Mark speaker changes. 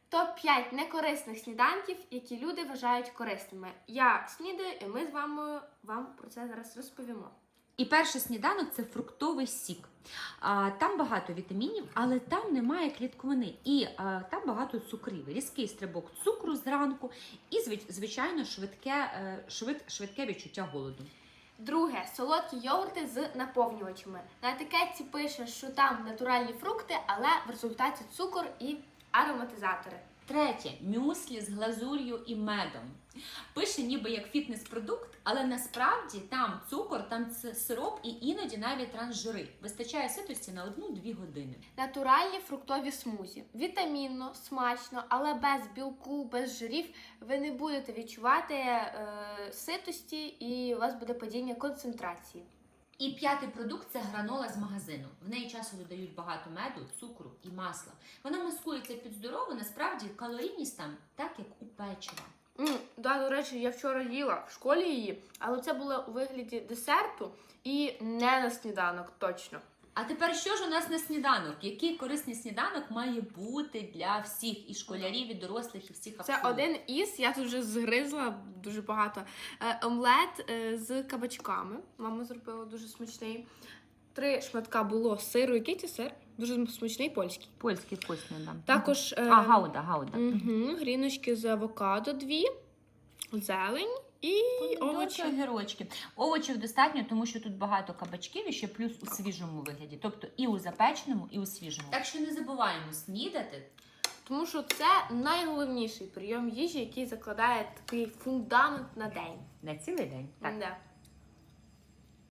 Speaker 1: Топ-5 некорисних сніданків, які люди вважають корисними. Я снідаю, і ми з вами вам про це зараз розповімо.
Speaker 2: І перший сніданок – це фруктовий сік. Там багато вітамінів, але там немає клітковини. І там багато цукрів. Різкий стрибок цукру зранку і, звичайно, швидке відчуття голоду.
Speaker 1: Друге – солодкі йогурти з наповнювачами. На етикетці пише, що там натуральні фрукти, але в результаті цукор і ароматизатори.
Speaker 2: Третє – мюслі з глазур'ю і медом. Пише ніби як фітнес-продукт, але насправді там цукор, там сироп і іноді навіть трансжири. Вистачає ситості на 1-2 години.
Speaker 1: Натуральні фруктові смузі. Вітамінно, смачно, але без білку, без жирів ви не будете відчувати ситості і у вас буде падіння концентрації.
Speaker 2: І п'ятий продукт – це гранола з магазину. В неї часто додають багато меду, цукру і масла. Вона маскується під здорову, насправді калорійність там так, як у печива.
Speaker 1: До речі, я вчора їла в школі її, але це було у вигляді десерту і не на сніданок точно.
Speaker 2: А тепер що ж у нас на сніданок? Який корисний сніданок має бути для всіх, і школярів, і дорослих, і всіх абсолютно?
Speaker 1: Це один із, я тут вже згризла дуже багато, омлет з кабачками. Мама зробила дуже смачний. 3 шматка було сиру. Який це сир? Дуже смачний, польський.
Speaker 2: Польський вкусний, да.
Speaker 1: Також
Speaker 2: гауда.
Speaker 1: гріночки з авокадо 2, зелень і овочі.
Speaker 2: Огірочки. Овочів достатньо, тому що тут багато кабачків і ще плюс у свіжому вигляді. Тобто і у запеченому, і у свіжому. Так що не забуваємо снідати.
Speaker 1: Тому що це найголовніший прийом їжі, який закладає такий фундамент на день.
Speaker 2: На цілий день. Так.
Speaker 1: Да.